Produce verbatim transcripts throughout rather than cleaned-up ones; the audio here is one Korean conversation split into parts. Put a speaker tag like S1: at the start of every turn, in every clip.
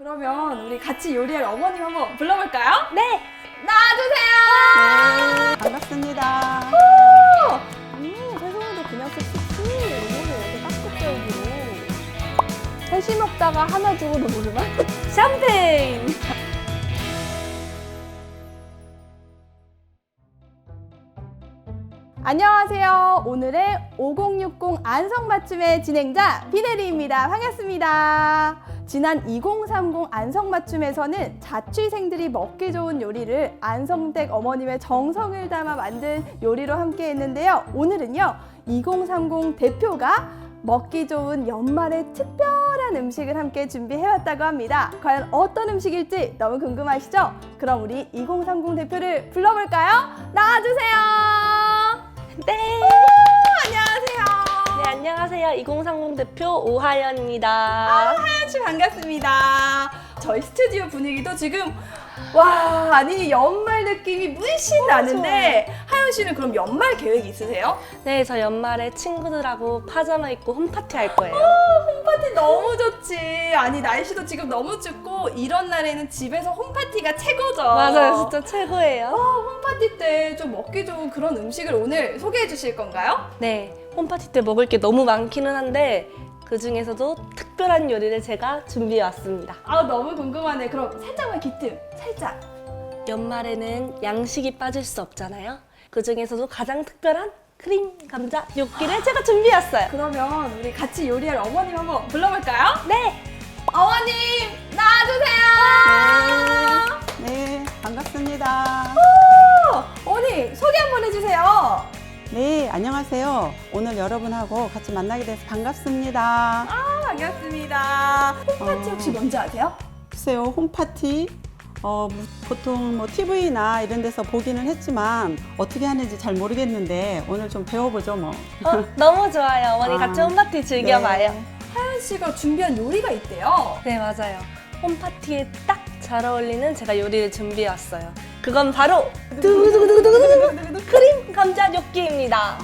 S1: 그러면 우리 같이 요리할 어머님 한번 불러볼까요?
S2: 네!
S1: 나와주세요!
S3: 네, 반갑습니다.
S2: 음, 세송이도 그냥 쓱쓱쓱 이렇게 깍둑썰기로 셋이 먹다가 하나 주고도 모르나? 샴페인!
S1: 안녕하세요. 오늘의 오공육공 안성맞춤의 진행자 비네리입니다. 반갑습니다. 지난 이공삼공 안성맞춤에서는 자취생들이 먹기 좋은 요리를 안성댁 어머님의 정성을 담아 만든 요리로 함께 했는데요. 오늘은요, 이공삼공 대표가 먹기 좋은 연말의 특별한 음식을 함께 준비해왔다고 합니다. 과연 어떤 음식일지 너무 궁금하시죠? 그럼 우리 이공삼공 대표를 불러볼까요? 나와주세요!
S2: 네!
S1: 오, 안녕하세요.
S2: 네, 안녕하세요. 이공삼공 대표 오하연입니다.
S1: 하연 씨 반갑습니다. 저희 스튜디오 분위기도 지금 와, 아니 연말 느낌이 물씬 나는데 하연 씨는 그럼 연말 계획 있으세요?
S2: 네, 저 연말에 친구들하고 파자마 입고 홈파티 할 거예요.
S1: 홈파티 너무 좋지. 아니 날씨도 지금 너무 춥고 이런 날에는 집에서 홈파티가 최고죠.
S2: 맞아요, 진짜 최고예요.
S1: 어, 홈파티 때 좀 먹기 좋은 그런 음식을 오늘 소개해 주실 건가요?
S2: 네, 홈파티 때 먹을 게 너무 많기는 한데 그 중에서도 특별한 요리를 제가 준비해 왔습니다.
S1: 아, 너무 궁금하네. 그럼 살짝만 기뜸, 살짝.
S2: 연말에는 양식이 빠질 수 없잖아요. 그 중에서도 가장 특별한 크림 감자 뇨끼를 제가 준비했어요.
S1: 그러면 우리 같이 요리할 어머님 한번 불러볼까요?
S2: 네!
S1: 어머님 나와주세요.
S3: 네, 반갑습니다.
S1: 오, 어머니 소개 한번 해주세요.
S3: 네, 안녕하세요. 오늘 여러분하고 같이 만나게 돼서 반갑습니다.
S1: 아, 반갑습니다. 홈파티 혹시 뭔지 아세요?
S3: 글쎄요, 홈파티 어, 뭐, 보통 뭐 티비나 이런 데서 보기는 했지만 어떻게 하는지 잘 모르겠는데 오늘 좀 배워보죠 뭐.
S2: 어, 너무 좋아요. 어머니
S3: 아,
S2: 같이 홈파티 즐겨봐요.
S3: 네.
S1: 하연 씨가 준비한 요리가 있대요.
S2: 네, 맞아요. 홈파티에 딱 잘 어울리는 제가 요리를 준비해 왔어요. 그건 바로 두구두구두구두구두구 크림 감자 뇨끼입니다.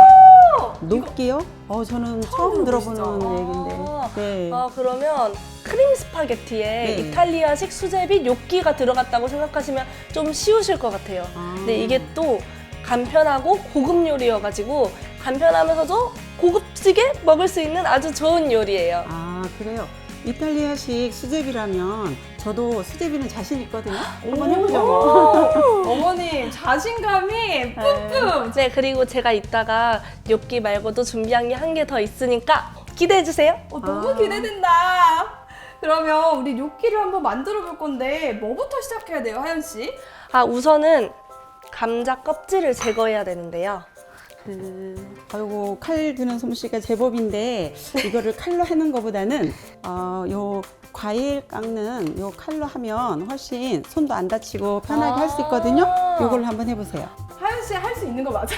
S3: 녹기요? 어, 저는 처음 들어보는
S1: 들어보시죠?
S3: 얘기인데. 네.
S2: 아, 그러면 크림 스파게티에
S3: 네.
S2: 이탈리아식 수제비 뇨끼가 들어갔다고 생각하시면 좀 쉬우실 것 같아요.
S3: 아.
S2: 근데 이게 또 간편하고 고급 요리여가지고 간편하면서도 고급지게 먹을 수 있는 아주 좋은 요리예요.
S3: 아, 그래요. 이탈리아식 수제비라면 저도 수제비는 자신 있거든요. 한번 해보죠. 뭐.
S1: 어머님 자신감이 뿜뿜.
S2: 네, 그리고 제가 이따가 뇨끼 말고도 준비한 게 한 개 더 있으니까 기대해주세요.
S1: 어, 너무
S3: 아.
S1: 기대된다. 그러면 우리 뇨끼를 한번 만들어 볼 건데 뭐부터 시작해야 돼요, 하연 씨?
S2: 아, 우선은 감자 껍질을 제거해야 되는데요.
S3: 그, 아이고, 칼 드는 솜씨가 제법인데 이거를 칼로 하는 것보다는 어, 요 과일 깎는 요 칼로 하면 훨씬 손도 안 다치고 편하게 할 수 있거든요. 요걸로 한번 해보세요.
S1: 하연 씨 할 수 있는 거 맞아요?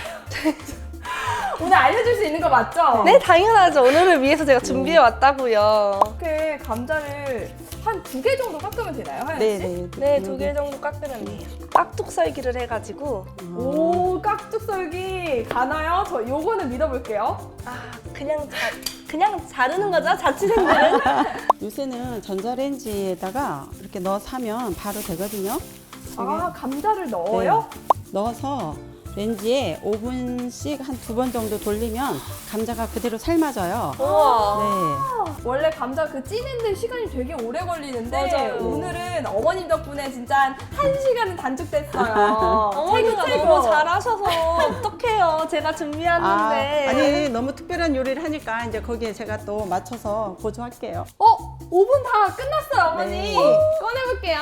S1: 오늘 알려줄 수 있는 거 맞죠?
S2: 네, 당연하죠. 오늘을 위해서 제가 준비해 왔다고요.
S1: 이렇게 감자를 한 두 개 정도 깎으면 되나요, 하연 씨?
S3: 네네.
S2: 네, 두 개 정도 깎으면 돼요. 깍둑썰기를 해가지고
S1: 오, 깍둑썰기 가나요? 저 요거는 믿어볼게요.
S2: 아, 그냥 자, 그냥 자르는 거죠, 자취생들은.
S3: 요새는 전자레인지에다가 이렇게 넣어서 하면 바로 되거든요.
S1: 아, 감자를 넣어요?
S3: 네. 넣어서 렌지에 오 분씩 한 두 번 정도 돌리면 감자가 그대로 삶아져요.
S2: 우와.
S3: 네.
S1: 원래 감자 그 찌는데 시간이 되게 오래 걸리는데
S2: 맞아요.
S1: 오늘은 어머님 덕분에 진짜 한 한 시간은 단축됐어요.
S2: 어머니가
S1: 최고, 최고.
S2: 너무 잘하셔서 어떡해요. 제가
S3: 아,
S2: 준비했는데.
S3: 아니 너무 특별한 요리를 하니까 이제 거기에 제가 또 맞춰서 보조할게요.
S1: 어? 오 분 다 끝났어요, 어머니.
S3: 네.
S1: 꺼내볼게요.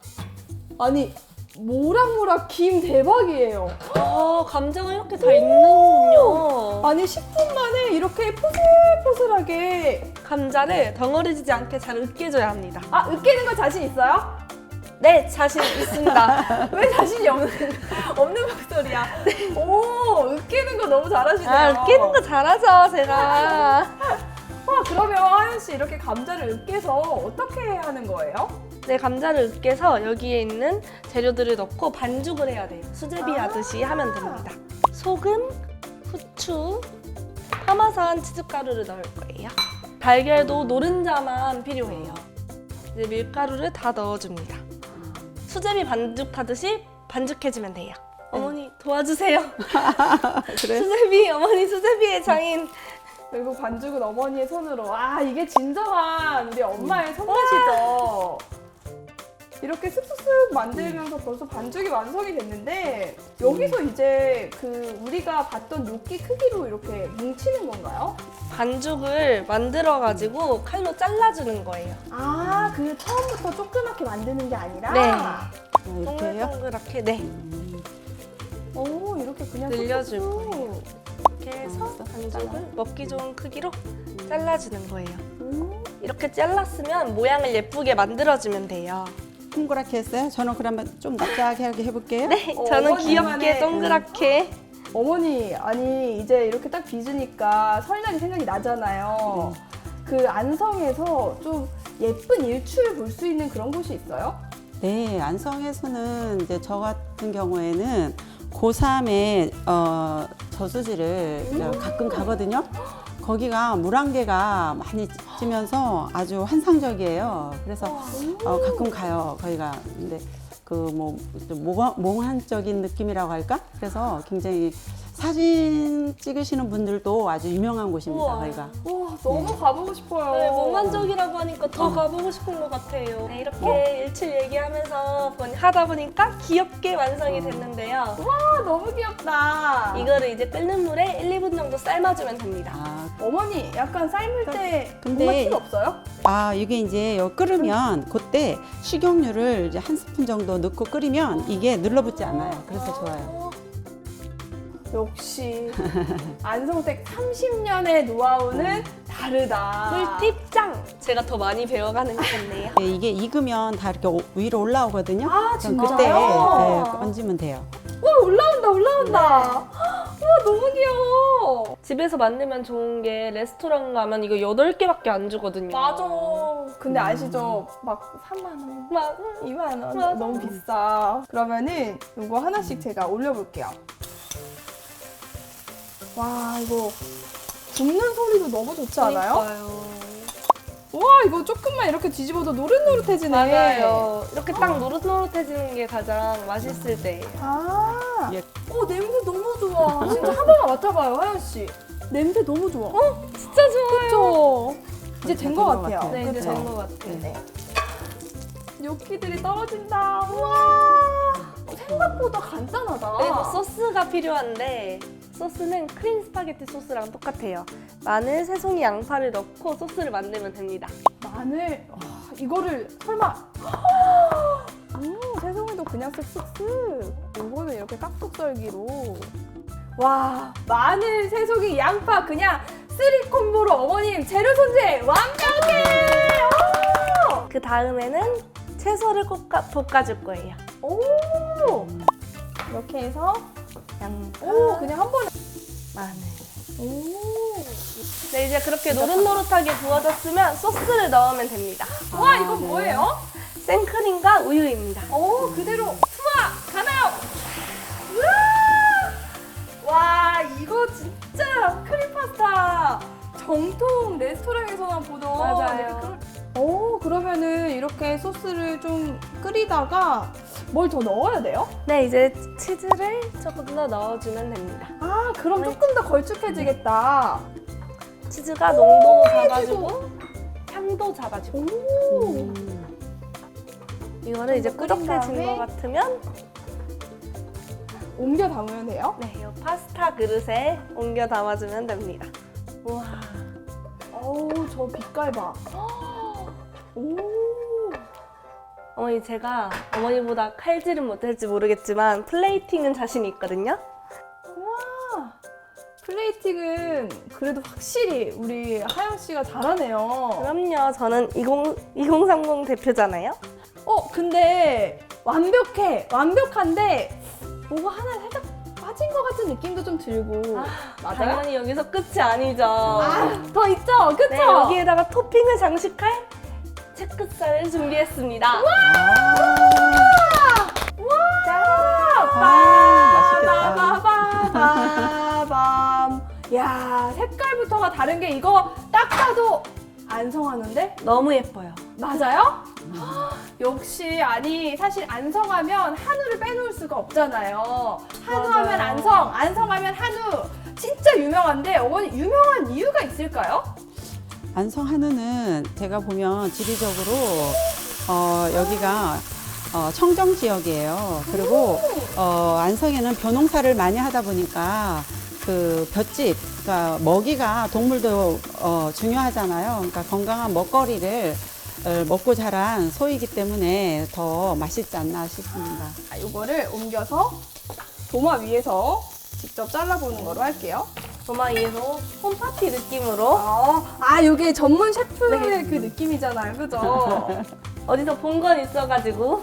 S1: 아니, 모락모락 김 대박이에요.
S2: 아, 감자가 이렇게 다 있는군요.
S1: 아니, 십 분 만에 이렇게 포슬포슬하게.
S2: 감자를 덩어리지지 않게 잘 으깨줘야 합니다.
S1: 아, 으깨는 거 자신 있어요?
S2: 네, 자신 있습니다.
S1: 왜 자신이 없는, 없는 목소리야? 오, 으깨는 거 너무 잘하시네요.
S2: 아, 으깨는 거 잘하죠, 제가.
S1: 와, 그러면 하연 씨 이렇게 감자를 으깨서 어떻게 하는 거예요?
S2: 네, 감자를 으깨서 여기에 있는 재료들을 넣고 반죽을 해야 돼요. 수제비
S1: 아.
S2: 하듯이 하면 됩니다. 소금, 후추, 파마산 치즈가루를 넣을 거예요. 달걀도 노른자만 필요해요. 이제 밀가루를 다 넣어줍니다. 수제비 반죽하듯이 반죽해주면 돼요. 어머니 도와주세요.
S3: 그래?
S2: 수제비, 어머니 수제비의 장인.
S1: 그리고 반죽은 어머니의 손으로. 아, 이게 진정한 우리 엄마의 손맛이죠. 이렇게 슥슥슥 만들면서 벌써 반죽이 완성이 됐는데 여기서 이제 그 우리가 봤던 뇨끼 크기로 이렇게 뭉치는 건가요?
S2: 반죽을 만들어가지고 칼로 잘라주는 거예요.
S1: 아, 그 처음부터 조그맣게 만드는 게 아니라?
S2: 네.
S3: 아, 이렇게 해요?
S2: 동글동글하게 네.
S1: 오, 이렇게 그냥
S2: 늘려줄
S1: 쑥쑥.
S2: 거예요. 이렇게 해서
S3: 음,
S2: 반죽을 먹기 좋은 크기로 잘라주는 거예요.
S1: 음.
S2: 이렇게 잘랐으면 모양을 예쁘게 만들어주면 돼요.
S3: 동그랗게 했어요? 저는 그러면 좀 납작하게 해볼게요.
S2: 네,
S1: 어,
S2: 저는
S1: 어머니만의-
S2: 귀엽게 동그랗게.
S1: 어머니, 아니 이제 이렇게 딱 빚으니까 설날이 생각이 나잖아요. 그 안성에서 좀 예쁜 일출 볼 수 있는 그런 곳이 있어요?
S3: 네, 안성에서는 이제 저 같은 경우에는 고삼에 어, 저수지를 가끔 가거든요. 거기가 물안개가 많이 찌면서 아주 환상적이에요. 그래서 어, 가끔 가요, 거기가. 근데 그 뭐 몽환적인 느낌이라고 할까? 그래서 굉장히 사진 찍으시는 분들도 아주 유명한 곳입니다,
S2: 우와.
S3: 거기가.
S1: 와, 너무 가보고 싶어요.
S2: 네, 몽환적이라고 하니까 더
S3: 어.
S2: 가보고 싶은 것 같아요. 네, 이렇게 일출 얘기하면서 보니- 하다 보니까 귀엽게 완성이 됐는데요.
S1: 아, 너무 귀엽다.
S2: 이거를 이제 끓는 물에 일, 이 분 정도 삶아주면 됩니다.
S3: 아,
S1: 어머니, 약간 삶을 때
S3: 근데-
S1: 뭔가 팁 없어요?
S3: 아, 이게 이제 요 끓으면 그때 식용유를 이제 한 스푼 정도 넣고 끓이면 이게 눌러붙지 않아요. 그래서 좋아요.
S1: 역시 안성댁 삼십 년의 노하우는 다르다.
S2: 꿀팁 짱! 제가 더 많이 배워가는 것 같네요.
S3: 네, 이게 익으면 다 이렇게 오- 위로 올라오거든요.
S1: 아,
S3: 그럼
S1: 진짜요?
S3: 그때 네, 얹으면 돼요.
S1: 와, 올라온다, 올라온다. 와, 너무 귀여워.
S2: 집에서 만들면 좋은 게 레스토랑 가면 이거 여덟 개밖에 안 주거든요.
S1: 맞아. 근데 아시죠? 막 삼만 원,
S2: 막
S1: 이만 원
S2: 맞아.
S1: 너무 비싸. 그러면은 이거 하나씩 제가 올려볼게요. 와, 이거 굽는 소리도 너무 좋지 않아요?
S2: 그러니까요.
S1: 와, 이거 조금만 이렇게 뒤집어도 노릇노릇해지네.
S2: 맞아요. 이렇게 딱 노릇노릇해지는 게 가장 맛있을 때예요.
S1: 아,
S3: 예.
S1: 어, 냄새 너무 좋아. 진짜 한 번만 맡아봐요, 하연 씨. 냄새 너무 좋아. 어?
S2: 진짜 좋아요.
S1: 그쵸? 이제 된 것
S3: 된 것
S1: 같아요.
S3: 같아요.
S2: 네, 이제
S1: 그쵸?
S2: 된 것 같아요.
S1: 네. 뇨끼들이 떨어진다. 우와. 생각보다 간단하다.
S2: 그리고 소스가 필요한데 소스는 크림 스파게티 소스랑 똑같아요. 마늘, 새송이, 양파를 넣고 소스를 만들면 됩니다.
S1: 마늘, 와, 이거를 설마. 음, 새송이도 그냥 쓱쓱쓱. 이거는 이렇게 깍둑 썰기로. 와, 마늘, 새송이, 양파 그냥 쓰리 콤보로 어머님 재료 손질 완벽해! 오!
S2: 그 다음에는 채소를 볶아, 볶아줄 거예요.
S1: 오! 이렇게 해서
S2: 양파,
S1: 오, 그냥 한 번에.
S2: 마늘.
S1: 오.
S2: 네, 이제 그렇게 노릇노릇하게 구워졌으면 소스를 넣으면 됩니다.
S1: 와,
S3: 아,
S1: 이건
S3: 네.
S1: 뭐예요?
S2: 생크림과 우유입니다.
S1: 오, 그대로 투하 가나요? 우와! 와, 이거 진짜 크림 파스타 정통 레스토랑에서만 보던.
S2: 맞아요.
S1: 그런- 오, 그러면은 이렇게 소스를 좀 끓이다가 뭘 더 넣어야 돼요?
S2: 네, 이제 치즈를 조금 더 넣어주면 됩니다.
S1: 아, 그럼
S2: 네.
S1: 조금 더 걸쭉해지겠다.
S2: 치즈가 농도도 잡아주고 향도 잡아주고.
S1: 오.
S3: 음.
S2: 이거를 이제
S1: 끓인
S2: 꾸덕해진
S1: 다음에
S2: 것 같으면
S1: 옮겨 담으면 돼요?
S2: 네, 이 파스타 그릇에 옮겨 담아주면 됩니다.
S1: 우와. 어우, 저 빛깔 봐. 오.
S2: 어머니, 제가 어머니보다 칼질은 못할지 모르겠지만 플레이팅은 자신이 있거든요.
S1: 우와. 플레이팅은 그래도 확실히 우리 하영 씨가 잘하네요.
S2: 그럼요, 저는 이십, 이공삼공 대표잖아요.
S1: 어, 근데 완벽해. 완벽한데 뭐가 하나 살짝 빠진 것 같은 느낌도 좀 들고. 맞아요?
S2: 당연히 여기서 끝이 아니죠.
S1: 아, 더 있죠? 그쵸?
S2: 네, 여기에다가 토핑을 장식할 채끝살을 준비했습니다.
S3: 아, 맛있겠다.
S1: 빠바바바밤. 야, 색깔부터가 다른 게 이거 딱 봐도 안성하는데?
S2: 너무 예뻐요.
S1: 맞아요? 역시 아니 사실 안성하면 한우를 빼놓을 수가 없잖아요. 한우하면
S2: 맞아요.
S1: 안성, 안성하면 한우. 진짜 유명한데 어머니 유명한 이유가 있을까요?
S3: 안성 한우는 제가 보면 지리적으로 어, 여기가 어, 청정 지역이에요. 그리고 어, 안성에는 벼농사를 많이 하다 보니까 그 볏짚, 그러니까 먹이가 동물도 어, 중요하잖아요. 그러니까 건강한 먹거리를 어, 먹고 자란 소이기 때문에 더 맛있지 않나 싶습니다.
S1: 아, 이거를 옮겨서 도마 위에서 직접 잘라보는 거로 할게요.
S2: 도마 위에서 홈파티 느낌으로
S1: 아, 아 이게 전문 셰프의
S2: 네.
S1: 그 느낌이잖아요, 그죠?
S2: 어디서 본 건 있어가지고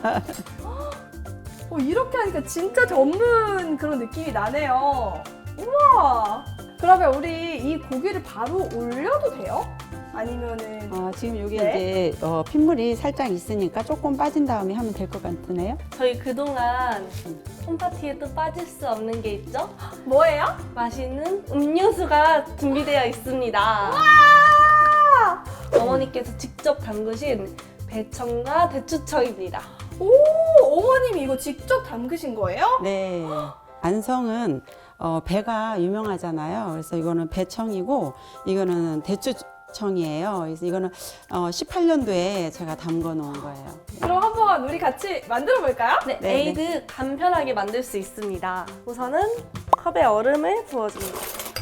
S1: 어, 이렇게 하니까 진짜 전문 그런 느낌이 나네요. 우와! 그러면 우리 이 고기를 바로 올려도 돼요? 아니면은
S3: 어, 지금 여기
S1: 네.
S3: 이제 어, 핏물이 살짝 있으니까 조금 빠진 다음에 하면 될 것 같으네요.
S2: 저희 그동안 홈파티에 또 빠질 수 없는 게 있죠?
S1: 뭐예요?
S2: 맛있는 음료수가 준비되어 있습니다.
S1: 아!
S2: 어머니께서 직접 담그신 배청과 대추청입니다.
S1: 오, 어머님이 이거 직접 담그신 거예요?
S3: 네. 안성은 어, 배가 유명하잖아요. 그래서 이거는 배청이고 이거는 대추청이에요. 그래서 이거는 어, 십팔 년도에 제가 담궈 놓은 거예요.
S1: 그럼 한번 우리 같이 만들어 볼까요?
S2: 네,
S3: 네,
S2: 에이드 간편하게 만들 수 있습니다. 우선은 컵에 얼음을 부어줍니다.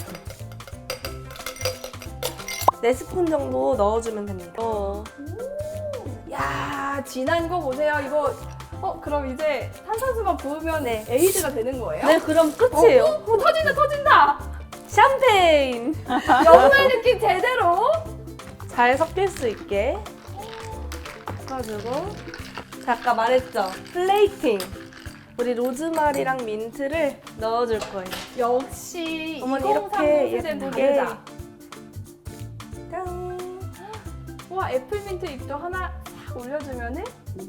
S2: 네 스푼 정도 넣어주면 됩니다. 어,
S1: 야, 진한 거 보세요. 이거 어, 그럼 이제 탄산수만 부으면
S2: 네.
S1: 에이드가 되는 거예요?
S2: 네, 그럼 끝이에요.
S1: 어, 어, 터진다, 터진다.
S2: 샴페인!
S1: 영화의 느낌 제대로.
S2: 잘 섞일 수 있게 섞어주고, 자, 아까 말했죠? 플레이팅! 우리 로즈마리랑 민트를 넣어줄 거예요.
S1: 역시
S2: 어머니
S1: 이공삼공
S2: 이렇게
S1: 세대는
S2: 예쁘게
S1: 다르다.
S2: 짠!
S1: 와, 애플민트 잎도 하나 싹 올려주면은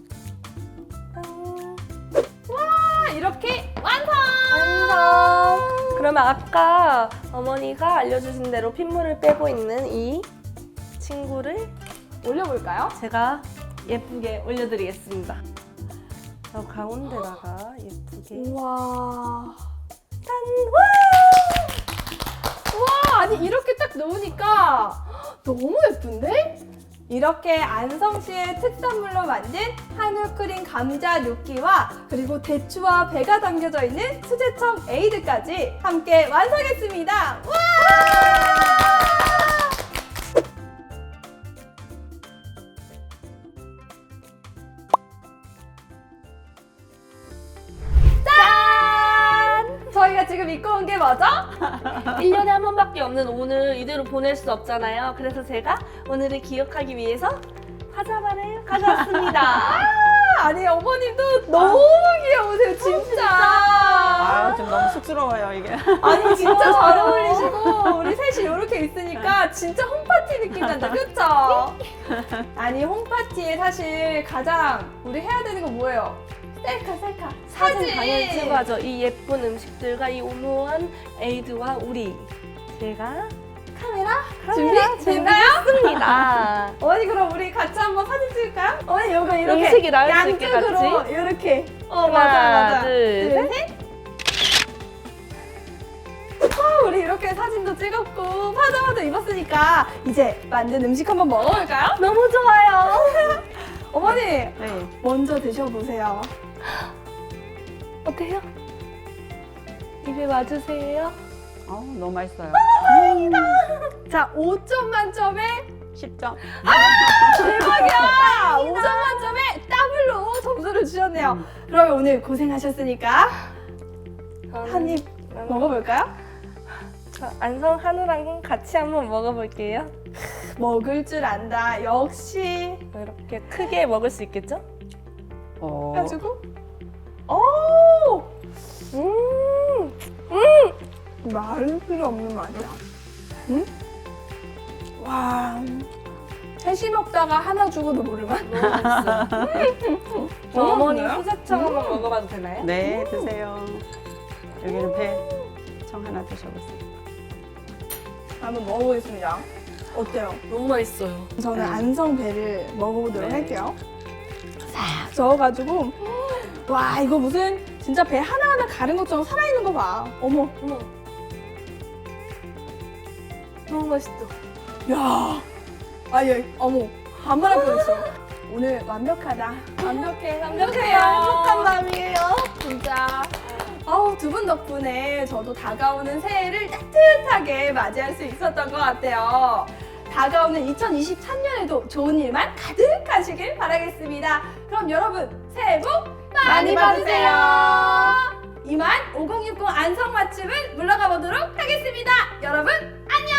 S2: 짠!
S1: 와, 이렇게 완성!
S2: 완성! 그러면 아까 어머니가 알려주신 대로 핏물을 빼고 있는 이 친구를
S1: 올려볼까요?
S2: 제가 예쁘게 올려드리겠습니다. 저 가운데다가 예쁘게
S1: 우와.
S2: 짠!
S1: 와, 아니 이렇게 딱 놓으니까 너무 예쁜데? 이렇게 안성시의 특산물로 만든 한우 크림 감자 뇨끼와 그리고 대추와 배가 담겨져 있는 수제청 에이드까지 함께 완성했습니다. 와! 짠! 저희가 지금 입고 온 게 뭐죠?
S2: 일 년에 한 번밖에 없는 오늘 이대로 보낼 수 없잖아요. 그래서 제가 오늘을 기억하기 위해서 화자발을 가져왔습니다.
S1: 아니 어머님도 너무 귀여우세요 진짜.
S3: 아, 좀 너무 쑥스러워요, 이게.
S1: 아니 진짜 잘 어울리시고 우리 셋이 이렇게 있으니까 진짜 홈파티 느낌 난다, 그쵸? 아니 홈파티에 사실 가장 우리 해야 되는 건 뭐예요? 셀카 셀카
S2: 사진 당연히 찍어야죠. 이 예쁜 음식들과 이 오묘한 에이드와 우리 제가
S1: 카메라
S2: 카메라
S1: 준비 됐나요?
S2: 준비했습니다.
S1: 어머니 그럼 우리 같이 한번 사진 찍을까요? 어머니 요거 이렇게
S2: 음식이 나올 수 있게
S1: 양쪽으로
S2: 같이?
S1: 이렇게 어
S2: 하나,
S1: 맞아 맞아
S2: 둘,
S1: 셋. 아, 우리 이렇게 사진도 찍었고 파자마도 입었으니까 이제 만든 음식 한번 먹어볼까요?
S2: 너무 좋아요.
S1: 어머니
S3: 네.
S1: 먼저 드셔보세요.
S2: 어때요? 입에 맞으세요?
S3: 어, 너무 맛있어요.
S1: 자, 오 점 만점에
S3: 십 점.
S1: 대박이야! 오 점 만점에 더블로 점수를 주셨네요.
S3: 음.
S1: 그러면 오늘 고생하셨으니까
S2: 저는
S1: 한 입 먹어볼까요?
S2: 저 안성 한우랑 같이 한번 먹어볼게요.
S1: 먹을 줄 안다. 역시.
S2: 이렇게 크게 먹을 수 있겠죠?
S3: 어,
S1: 해가지고. 오!
S2: 음,
S1: 말을 필요 없는 맛이야. 응? 와. 셋이 먹다가 하나 죽어도 모를 맛.
S2: 너무 맛있어요. 저
S1: 너무
S2: 어머니
S1: 맛있나요?
S2: 수제청 한번 먹어봐도 되나요?
S3: 네, 드세요. 여기는 배청 하나 드셔보세요.
S1: 한번 먹어보겠습니다. 어때요?
S2: 너무 맛있어요.
S1: 저는
S3: 네.
S1: 안성배를 먹어보도록
S3: 네.
S1: 할게요. 싹 저어가지고 와 이거 무슨 진짜 배 하나하나 가른 것처럼 살아있는 거 봐. 어머.
S2: 어머. 너무 맛있죠?
S1: 야, 아예 어머 반말할 뻔했어. 오늘 완벽하다. 완벽해, 완벽해요.
S2: 행복한 밤이에요.
S1: 진짜. 아우 두 분 덕분에 저도 다가오는 새해를 따뜻하게 맞이할 수 있었던 것 같아요. 다가오는 이천이십삼 년에도 좋은 일만 가득하시길 바라겠습니다. 그럼 여러분 새해 복 많이 받으세요. 이만 오공육공 안성맞춤은 물러가 보도록 하겠습니다. 여러분 안녕.